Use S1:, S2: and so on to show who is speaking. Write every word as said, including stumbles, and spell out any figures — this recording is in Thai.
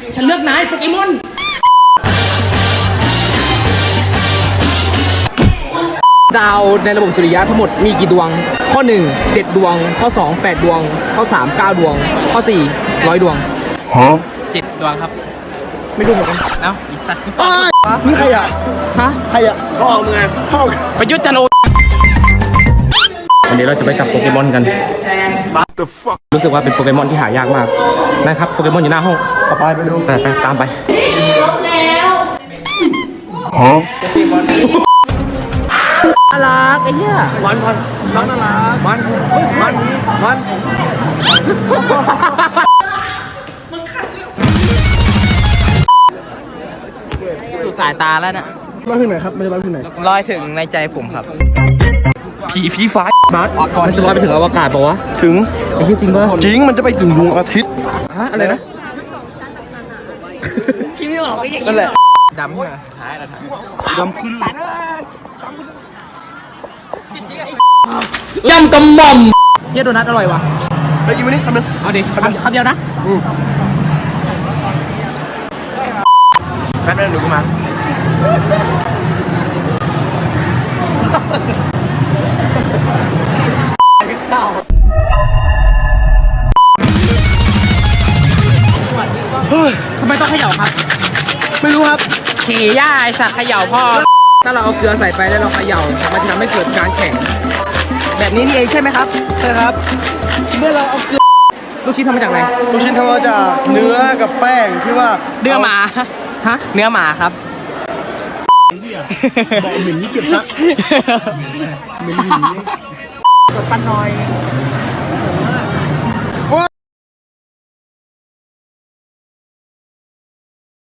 S1: ฉันเลือกนายโปเกมอนดาวในระบบสุริยะทั้งหมดมีกี่ดวงข้อหนึ่ง เจ็ดดวงข้อสอง แปดดวงข้อสาม เก้าดวงข้อสี่ ร้อยดวงฮะเจ็ดดวงครับไม่รู้เหมือนกันเอ้าอีกสัตว์
S2: นี่ใครอ่ะ
S1: ฮะ
S2: ใครอ่ะพ่อมึงไงพ่อ
S1: ประยุทธ์จันโอ
S3: วันนี้เราจะไปจับโปเกมอนกัน รู้สึกว่าเป็นโปเกมอนที่หายากมากนะครับโปเกมอนอยู่หน้าห้อง
S2: เอาไปไปดู
S3: ไปไปตามไป
S2: ฮะ
S1: น่ารักไอ้เหี้ย
S2: มันมันมันน่ารักมันมันมัน
S1: สู่สายตาแล้วน่ะ
S2: ลอยถึงไหนครับไม่ใช่ลอยถึงไหน
S1: ลอยถึงในใจผมครับ
S3: ผีผีฟ้าบาสมันจะลอยไปถึงอวกาศปะวะ
S2: ถึง
S3: ไอ้ที่จริงป่ะ
S2: จริงมันจะไปถึงดวงอาทิตย์
S1: ฮะอะไรนะ
S2: คิดไม่ออกนั่นแหละ
S1: ดำเหรอหายแล้ว
S2: ดำขึ้น
S1: ยำกำม่อมเฮียโดนัทอร่อยว่ะ
S2: ไปกินวันนี้คำนึง
S1: เอาดิคำคำเดียวนะ
S2: แป๊บนึงหนูมา
S1: ทำไมต้องเขย่าครับ
S2: ไม่รู้ครับ
S1: ขี่ย่าไอสัตว์เขย่าพ่อถ้าเราเอาเกลือใส่ไปแล้วเราเขย่ามันจะทำให้เกิดการแข็งแบบนี้นี่เองใช่ไหมครับ
S2: ใช่ครับเมื่อเราเอาเกลือ
S1: ลูกชิ้นทำมาจากอะไร
S2: ลูกชิ้นทำมาจากเนื้อกับแป้งที่ว่า
S1: เนื้อหมาฮะเนื้อหมาครับ
S2: บอกเหม็นนี่เก็บซักเหม็นหินกดปั้นน้อย